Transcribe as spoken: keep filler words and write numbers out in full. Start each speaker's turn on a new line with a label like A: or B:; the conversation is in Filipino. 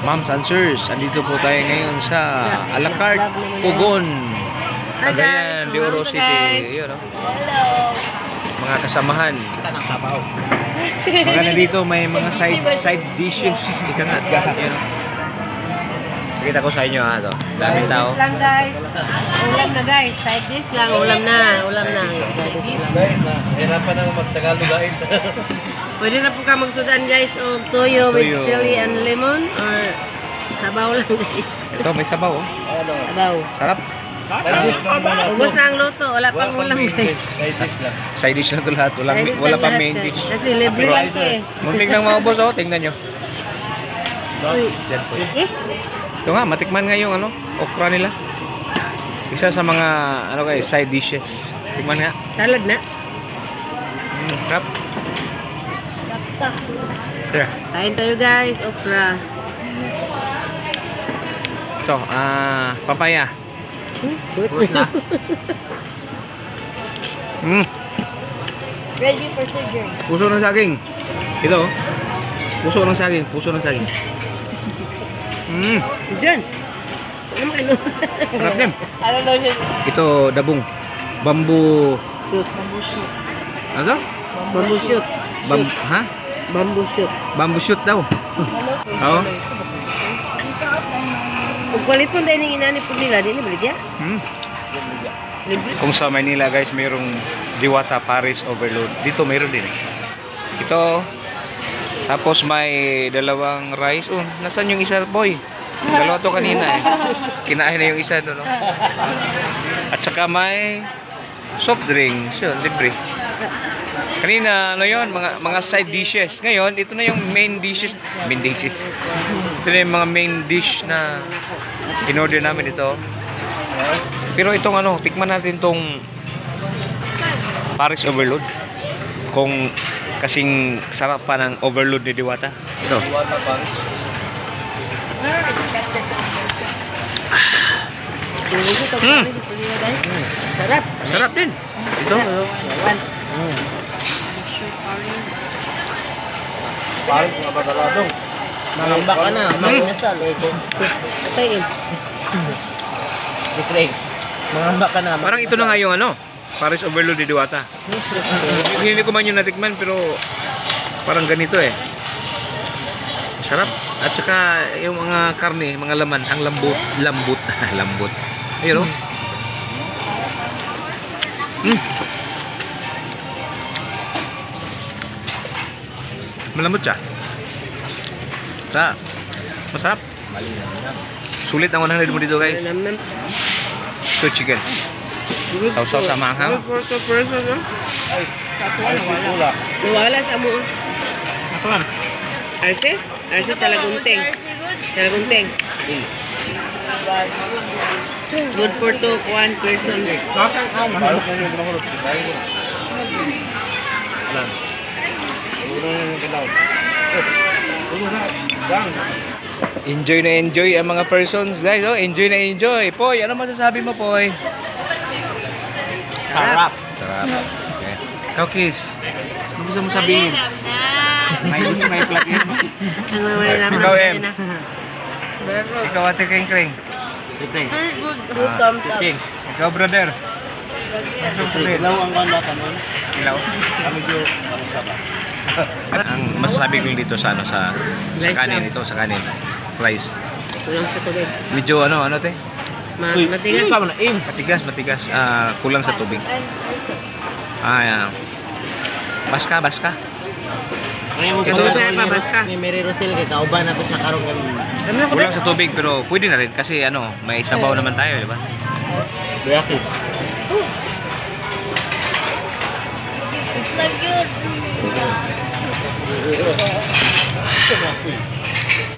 A: Ma'am Answers, andito po tayo ngayon sa a la carte Pugon, Cagayan de Oro City. Ayun, oh.
B: Hello.
A: Mga kasamahan. Mga nandito may mga side side dishes. Ika nga. Ayun, oh. Pakita ko sa inyo ha, to. Daming tao.
B: Side dish lang guys. Ulam na guys. Side dish lang. Ulam na. Ulam na. Side dish lang.
A: Hirapan na mag-Tagalog guys.
B: Pwede na po ka magsudan guys o toyo with
A: Toyo.
B: chili and lemon or sabaw lang guys.
A: Ito may sabaw, oh.
B: Sabaw.
A: Sarap.
C: Side dish lang muna.
B: Ubos na ang luto. Wala pang ulam guys.
C: Side dish lang.
A: Side dish na ito lahat. Walang,
B: Side dish
A: wala
B: lang
A: pa
B: lahat,
A: main
B: guys.
A: dish.
B: Kasi libre lang ito eh.
A: Muntik nang maubos, oh. Tingnan nyo.
B: Uy.
A: Diyan po.
B: Eh?
A: Ito nga, matikman nga yung ano, okra nila. Isa sa mga ano guys, side dishes. Tikman nga.
B: Salad na.
A: Mm, sarap. Tara.
B: Kain tayo guys. Okra.
A: Ito, ah, papaya.
B: Hmm?
A: Fruit na. Mm,
B: Ready for surgery.
A: puso ng saging. Ito, oh. Puso ng saging, puso ng saging. Mm,
B: Diyan. Ano ano?
A: sarap din.
B: Ano daw siya?
A: Ito, dabong. Bamboo.
B: Bamboo shoot.
A: Ano?
B: Bamboo shoot.
A: Bam, ha?
B: Bamboo shoot.
A: Bamboo shoot daw. Oo.
B: Kung kwaliton dahil yung inani po nila, di na balit ya?
A: Hmm.
B: Libre.
A: Kung sa Manila guys, mayroong Diwata Paris Overload. Dito mayroon din eh. Ito. Tapos may dalawang rice. Oh, nasaan yung isa, boy? Dalawa to kanina eh. Kinain na yung isa doon. No? At saka may soft drinks. Yun, libre. Kanina, ano yun? Mga, mga side dishes. Ngayon, ito na yung main dishes. Main dishes. Ito na yung mga main dish na in-order namin ito. Pero itong ano, tikman natin itong Paris Overload. Kung kasing sarap pa ng overload ni Diwata. Ito.
C: Diwata Paris.
A: Hmm.
B: Sarap.
A: Sarap din. Ito.
C: Mm. Paris nga badaladong.
D: Mangamba ka na,
A: Hmm.
D: manginasal.
B: Patayin.
D: Different. Mangamba ka na.
A: Parang ito na nga yung ano, Paris Overload ni Diwata. Hindi ko man yung natikman pero parang ganito eh. Sarap. At saka yung mga karne, mga laman, ang lambot, lambot, lambot. Ayun, oh. Mm. Malambot siya. Sa masarap. Sulit ang one hundred mo dito, guys. Ito chicken. Sausaw sa manghang.
B: For the person, no?
C: Ay, ay, wala.
B: Nawala sa mo.
D: Ako lang.
B: Arce? Arce sa lagunteng. Sa lagunteng. Good for two, one person.
C: Paano kung yung binahulog? Alam. Ulo na yung bilaw. Ulo na. Gang.
A: Enjoy na enjoy ang mga persons, guys. Oh, enjoy na enjoy. Poy, ano masasabi mo, Poy?
D: Sarap.
A: Sarap. Okay. Ikaw, Kiss. Ano gusto mo sabihin? May gusto may plug in.
B: Ang mga naman.
A: Ikaw, Em. Ikaw, Ate Kring Kring.
D: Different.
B: Good thumbs up.
A: King. Ikaw, brother. Ano gusto mo sabihin?
D: Ilaw ang ganda ka nun.
A: Ilaw.
C: Kami dyo. Basta ba?
A: Ang masasabi ko dito sa ano sa sa kanin ito sa kanin. Fries.
B: Kulang sa tubig.
A: Medyo ano ano te?
B: Ma
D: Uy,
B: matigas.
D: sama na, in.
A: Matigas, matigas. Ah, kulang sa tubig. Ah, yeah. Baska, baska.
D: Ngayon mo
A: Ito,
D: pala
B: ito.
D: sa
B: Babas ka.
D: Ni Mary Rosel kay kauban ako sa karong ganun.
B: Ano ko
A: Kulang sa tubig pero pwede na rin kasi ano, may sabaw naman tayo, di ba?
D: Biyaki.
B: It's like good.
C: Ito na.